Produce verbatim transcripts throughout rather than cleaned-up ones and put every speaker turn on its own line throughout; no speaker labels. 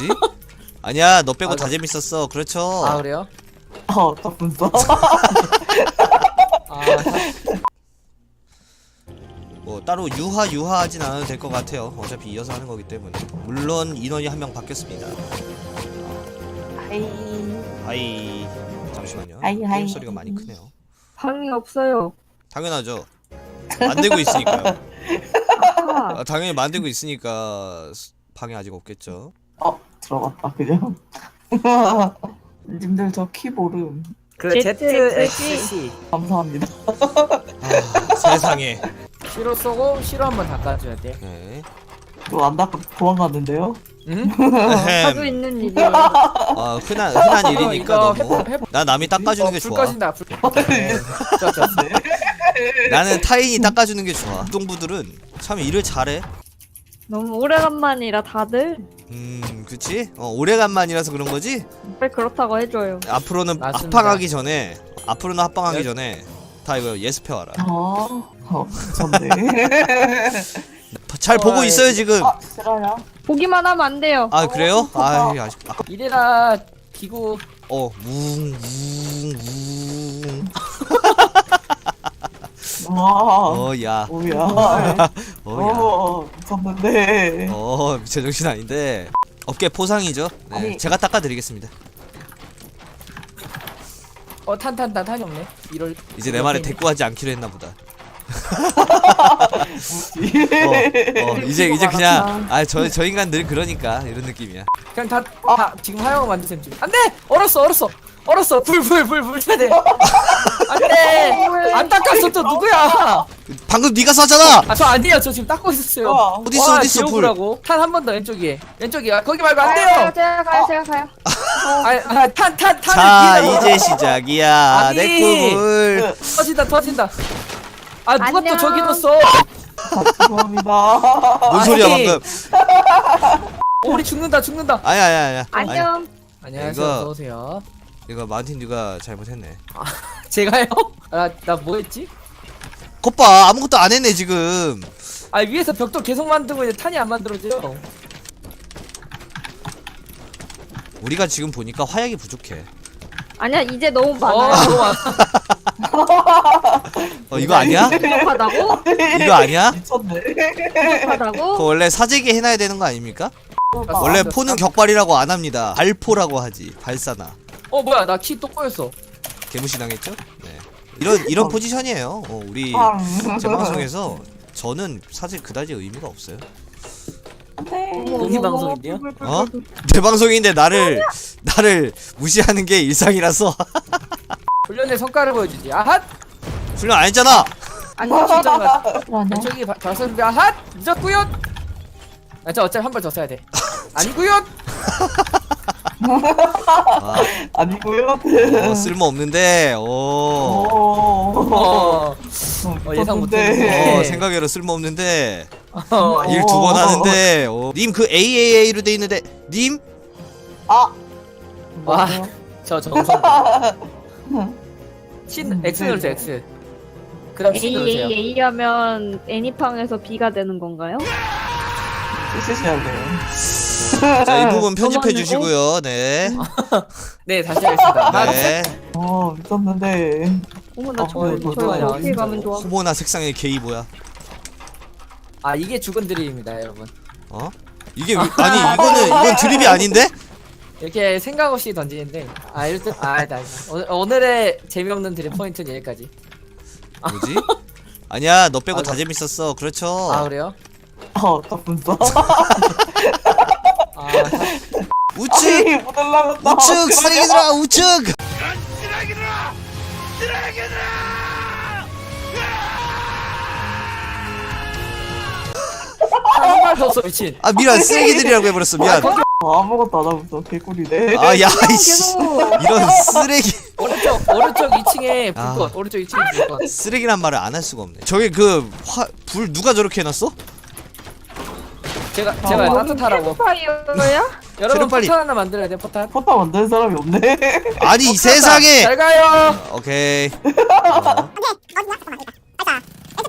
뭐지? 아니야 너 빼고
아,
다 재밌었어. 그렇죠.
아 그래요?
어, 덕분서.
아
뭐 따로 유하 유하하진 않아도 될 것 같아요. 어차피 이어서 하는 거기 때문에. 물론 인원이 한 명 바뀌었습니다.
하이.
하이. 잠시만요.
하이, 하이.
게임 소리가 많이 크네요.
방이 없어요.
당연하죠. 만들고 있으니까요.
아하.
아, 당연히 만들고 있으니까 스- 방에 아직 없겠죠.
어, 들어갔다, 그냥. 님들 저 키 모름.
그
Z,
제트엑스씨
감사합니다.
아, 세상에.
시로 쏘고 시로 한번 닦아줘야 돼.
네.
또 안 닦고 도망갔는데요?
응?
자주
에헴.
있는 일이에요.
어, 흔한 흔한 일이니까
이거
너무.
해보- 해보-
나 남이 닦아주는 게
어, 불
좋아.
꺼진다. 불. 네. 좋아 좋아.
나는 타인이 닦아주는 게 좋아. 동부들은 참 일을 잘해.
너무 오래간만이라 다들
음, 그치? 어, 오래간만이라서 그런 거지?
왜 그렇다고 해줘요.
앞으로는
맞습니다.
합방하기 전에, 앞으로는 합방하기
예?
전에 다 이거 예습해 와라.
어, 어, 좋네.
잘 보고
어이.
있어요 지금.
아, 싫어요?
보기만 하면 안 돼요.
아 그래요? 아, 아직 아,
이래라 기구.
어, 웅, 웅, 웅.
와,
어, 야,
뭐야.
어, 야.
어, 미쳤는데.
어, 제정신 아닌데. 어깨 포상이죠. 네,
아니.
제가 닦아드리겠습니다.
어 탄 탄 탄 탄이 없네. 이럴.
이제 내 말에 대꾸하지 않기로 했나 보다.
뭐지?
어, 어, 이제 이제 그냥 아 저 저 인간 늘 그러니까 이런 느낌이야.
그냥 다, 다 지금 하영 만드셈 지금. 안돼. 얼었어 얼었어. 얼었어. 불 불 불 불 쳐야 돼. 안돼. 안 닦았어 또 누구야?
방금 네가 쐈잖아.
아 저 아니에요. 저 지금 닦고 있었어요.
와,
어딨어 어딨어 불.
탄 한 번 더 왼쪽에. 왼쪽이야. 거기 말고 안
가요,
돼요.
제가 가요, 제가 가요.
아탄탄 탄.
자 이제 시작이야.
아니.
내 꿈을.
터진다 터진다. 아 누가
안녕.
또 저기 넣었어?
죄송합니다.
뭔 소리야
아니.
방금?
어, 우리 죽는다 죽는다.
아니야 아니야 아니야. 아니,
안녕.
안녕하세요.
이거-
어서 오세요.
이거 마틴 네가 잘못했네.
제가요? 아, 나 뭐 했지?
겉봐 아무것도 안 했네 지금.
아 위에서 벽돌 계속 만들고 있는데 탄이 안 만들어져요.
우리가 지금 보니까 화약이 부족해.
아니야, 이제 너무
어,
많아요.
너무 많아.
어 이거 아니야?
부족하다고?
이거 아니야?
미쳤네.
부족하다고?
그거 원래 사재기 해놔야 되는 거 아닙니까? 원래
아,
포는 격발이라고 안 합니다. 발포라고 하지. 발사나.
어 뭐야 나 키 또 꼬였어.
개무시 당했죠? 네. 이런 이런 포지션이에요. 어, 우리
빵.
제 방송에서 저는 사실 그다지 의미가 없어요.
공개 방송인데요?
어? 내 방송인데 나를 나를 무시하는 게 일상이라서
훈련의 성과를 보여주지. 아핫!
훈련 안 했잖아.
안녕 진짜가.
아니야.
왼쪽이 발사인데 아핫! 늦었구요. 아저 어차피 한 발 더 써야 돼. 아니구요.
아,
아니고요.
어, 쓸모 없는데. 오.
오.
어, 어 예상 못했는데.
어, 생각외로 쓸모 없는데
어,
일 두 번 하는데. 어. 님 그 에이에이에이로 돼 있는데 님?
아.
와,
뭐죠?
저 정성. 신 X 누르세요 X. 그다음 C
A,
누르세요.
A, A 하면 애니팡에서 B가 되는 건가요?
쓰셔야 돼요.
자, 이 부분 편집해
저만이고?
주시고요. 네.
네 다시 하겠습니다. 하나,
네.
어, 미쳤는데.
어머, 나
어,
저,
어,
저,
좋아요.
저 어떻게 가면 좋아?
호모나 색상의 게이 뭐야?
아 이게 죽은 드립입니다 여러분.
어? 이게 왜- 아니 이거는 이건 드립이 아닌데?
이렇게 생각 없이 던지는데 아 일단 아 나, 오늘, 오늘의 재미없는 드립 포인트는 여기까지.
뭐지? 아니야 너 빼고
아,
다
이거-
재밌었어. 그렇죠.
아 그래요?
어, 덕분서.
아
우측
아니, 못 올라갔다.
우측 쓰레기들아 우측.
한발 더 써 미친.
아 미안 쓰레기들이라고 해버렸어 미안.
어, 아무것도 안 하면서 개꿀이네.
아야
계속,
이씨
계속.
이런 쓰레기.
오른쪽 오른쪽 이 층에
아.
불꽃. 오른쪽 이 층에 불꽃.
쓰레기란 말을 안 할 수가 없네. 저기 그 불 누가 저렇게 해놨어?
제가 제가
어.
따뜻하라고.
파이어야?
여러분
빨리.
포탄 하나 만들어야 돼 포탄.
포탑 만드는 사람이 없네.
아니 이
잘
세상에.
가요.
오케이. 어.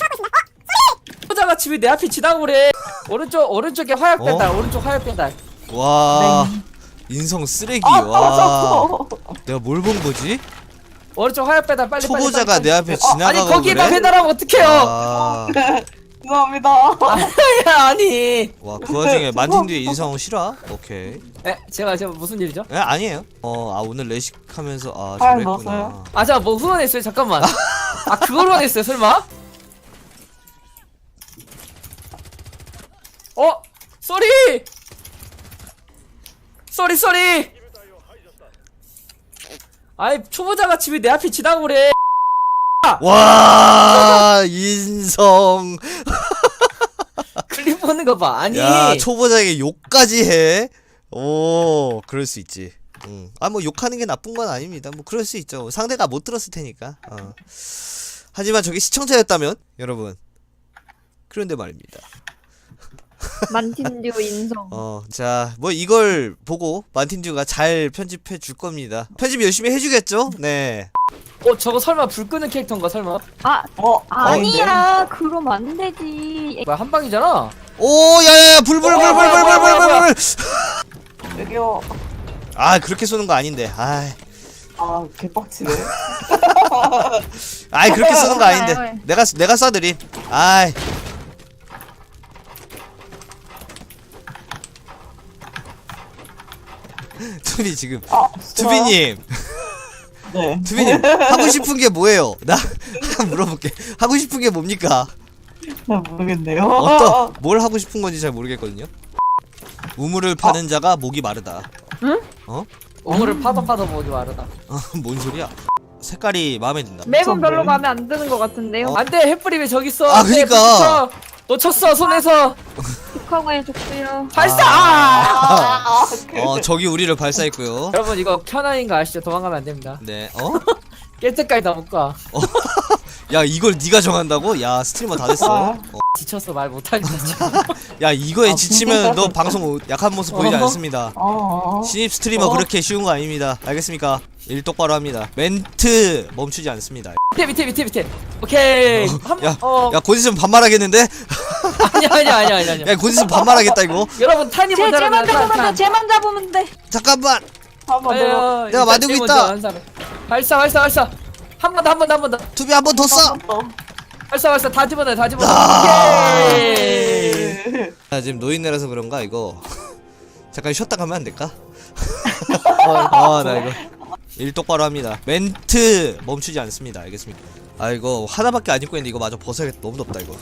여자가 집이 내 앞에 지나고 그래. 오른쪽 오른쪽에 화약
어?
배달. 오른쪽 화약 배달.
와 인성 쓰레기.
아
와
떨어졌어.
내가 뭘 본 거지?
오른쪽 화염 배달 빨리
초보자가
빨리, 빨리,
내 앞에
빨리.
지나가고
아니 거기다
그래?
배달하면 어떡해요?
아,
죄송합니다.
야 아니.
와, 그 와중에 만틴 뒤에 인성 실화? 오케이.
에 제가 제가 무슨 일이죠?
에 아니에요. 어, 아 오늘 레식하면서 아
아,
저랬구나.
넣었어요?
아 제가 뭐 후원했어요? 잠깐만. 아 그걸 후원했어요 설마? 어? 쏘리! 쏘리 쏘리! 아이 초보자가 집에 내 앞에 지나고 그래.
와 인성.
클립 보는 거 봐. 아니.
야 초보자에게 욕까지 해. 오 그럴 수 있지. 음. 아뭐 욕하는 게 나쁜 건 아닙니다. 뭐 그럴 수 있죠. 상대가 못 들었을 테니까. 어. 하지만 저게 시청자였다면 여러분. 그런데 말입니다.
만틴듀 인성.
어, 자, 뭐 이걸 보고 만틴듀가 잘 편집해 줄 겁니다. 편집 열심히 해주겠죠? 네.
어 저거 설마 불 끄는 캐릭터인가 설마?
아
어
아니야. 그럼 안 되지.
뭐야 한 방이잖아.
오, 야야야, 불불불불불불불불불.
여기요.
아, 그렇게 쏘는 거 아닌데. 아,
아 개빡치네.
아이 그렇게 쏘는 거 아닌데. 내가 내가 쏴드림. 아이. 투비 지금.
아
투비님,
네.
투비님 하고 싶은 게 뭐예요? 나 물어볼게. 하고 싶은 게 뭡니까?
잘 모르겠네요.
어떤 뭘 하고 싶은 건지 잘 모르겠거든요. 우물을 파는 자가 목이 마르다.
응?
어?
우물을 파도 파도 보기 마르다.
어, 뭔 소리야? 색깔이 마음에 든다.
맵은 별로
네.
마음에 안 드는 것 같은데요.
어?
안돼 햇불이 왜 저기 있어?
아,
안돼,
그니까.
불 붙여. 놓쳤어 손에서.
북한과의 족수요.
발사!
아,
어, 저기 우리를 발사했고요.
여러분 이거 켜나인 거 아시죠? 도망가면 안 됩니다.
네. 어?
깰 때까지 다 못 가.
야, 이걸 네가 정한다고? 야, 스트리머 다 됐어. 어.
지쳤어 말 못하겠다 지금.
야, 이거에
아,
지치면 너 방송 약한 모습 보이지
어허.
않습니다.
아,
신입 스트리머
어?
그렇게 쉬운 거 아닙니다. 알겠습니까? 일 똑바로 합니다. 멘트 멈추지 않습니다.
밑에 밑에 밑에 밑에. 오케이. 한,
야,
어.
야, 곧 있으면 반말하겠는데?
아니야 아니야 아니야 아니야. 아니야.
야, 곧 있으면 반말하겠다 이거.
여러분 탄이
제
먼저
제만
하면
잡으면 돼.
탄.
제만 잡으면 돼.
잠깐만.
한번 더.
아유,
내가
일단
만들고
제일
있다.
먼저 한 사람. 발사 발사 발사. 한 번 더 한 번 더 한 번 더.
투비 한 번 더 쏴.
한번
발사 발사 다 집어넣어 다 집어넣어.
아.
오케이.
더.
야, 지금 노인네라서 그런가 이거. 잠깐 쉬었다 가면 안 될까?
어,
아, 나 이거 일 똑바로 합니다. 멘트 멈추지 않습니다. 알겠습니까? 아, 이거 하나밖에 안 입고 있는데 이거 마저 벗어야겠다. 너무 덥다 이거.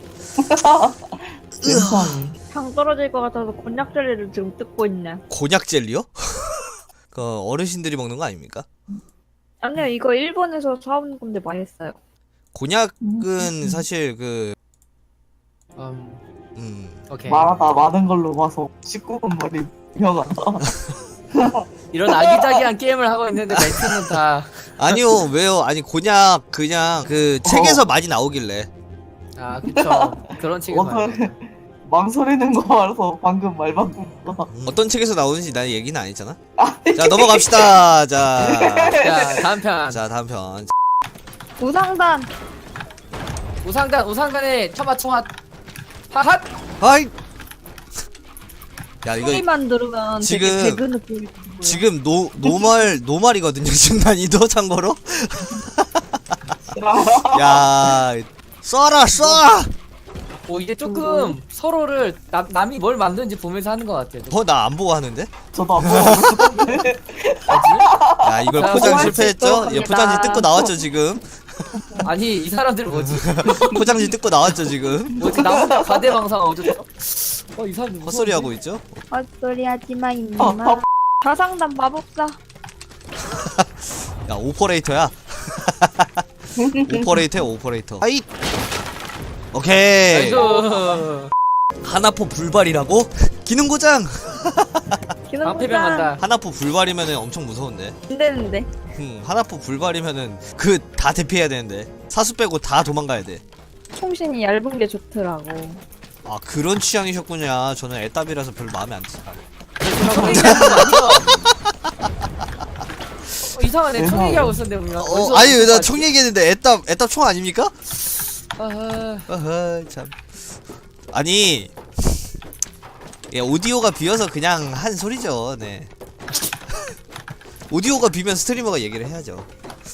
세상에.
당 떨어질 것 같아서 곤약 젤리를 지금 뜯고 있네.
곤약 젤리요? 그 어르신들이 먹는 거 아닙니까?
아니요, 이거 일본에서 사온 건데 맛있어요.
곤약은 사실 그
음,
음.
오케이.
말하다 많은 걸로 봐서 십구 분 머리 유명하다.
이런 아기자기한 게임을 하고 있는데 멘트는 다.
아니요, 왜요? 아니 곤약 그냥 그 책에서 많이 나오길래.
아 그쵸. 그런 책에서.
어떤 망설이는 거 알아서 방금 말 바꾼 거.
어떤 책에서 나오는지 난 얘기는 안 했잖아. 자, 넘어갑시다. 자.
자 다음 편.
자, 다음 편.
우상단.
우상단 우상단의 처마총핫. 하핫.
하이. 야, 이거
소리만 들으면
지금-
되게 배그 느낌이 들고요.
지금 노 노말 노말이거든요. 지금 난이도 참고로. 야, 쏴라 쏴.
오 이제 조금 서로를 남 남이 뭘 만드는지 보면서 하는 것 같아요.
어, 나 안 보고 하는데?
저도 안 먹었는데.
야, 이걸
자,
포장
뭐
실패했죠?
할 수
예,
있을
포장지
겁니다.
뜯고 나왔죠 지금.
아니 이 사람들 뭐지?
포장지 뜯고 나왔죠 지금.
뭐지 나 혼자 가대방상 어쩌죠? 어이 사람들 무서운데?
헛소리 하고 있죠?
헛소리 하지마
아,
임마.
아,
자상단 마법사.
야, 오퍼레이터야. 오퍼레이터야, 오퍼레이터. 하이. 오케이.
아이고.
하나포 불발이라고? 기능 고장.
기능
방패병 간다.
하나포 불발이면은 엄청 무서운데.
안 되는데.
음, 하나포 불발이면은 그 다 대피해야 되는데. 사수 빼고 다 도망가야 돼.
총신이 얇은 게 좋더라고.
아, 그런 취향이셨군요. 저는 애답이라서 별로 마음에 안 들어요.
총 얘기하는 거 아니야? 어, 이상하네 총 얘기하고 있었는데 우리가.
어, 아니, 나 총 얘기했는데 애답 애답 총 아닙니까?
아,
어허, 참. 아니, 예, 오디오가 비어서 그냥 한 소리죠. 네. 오디오가 비면 스트리머가 얘기를 해야죠.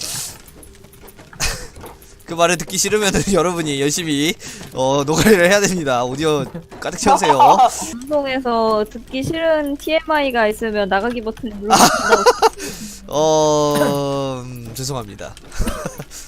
그 말을 듣기 싫으면 여러분이 열심히 어 노가리를 해야 됩니다. 오디오 가득 채우세요.
방송에서 듣기 싫은 티엠아이가 있으면 나가기 버튼 눌러주신다고.
어 음, 죄송합니다.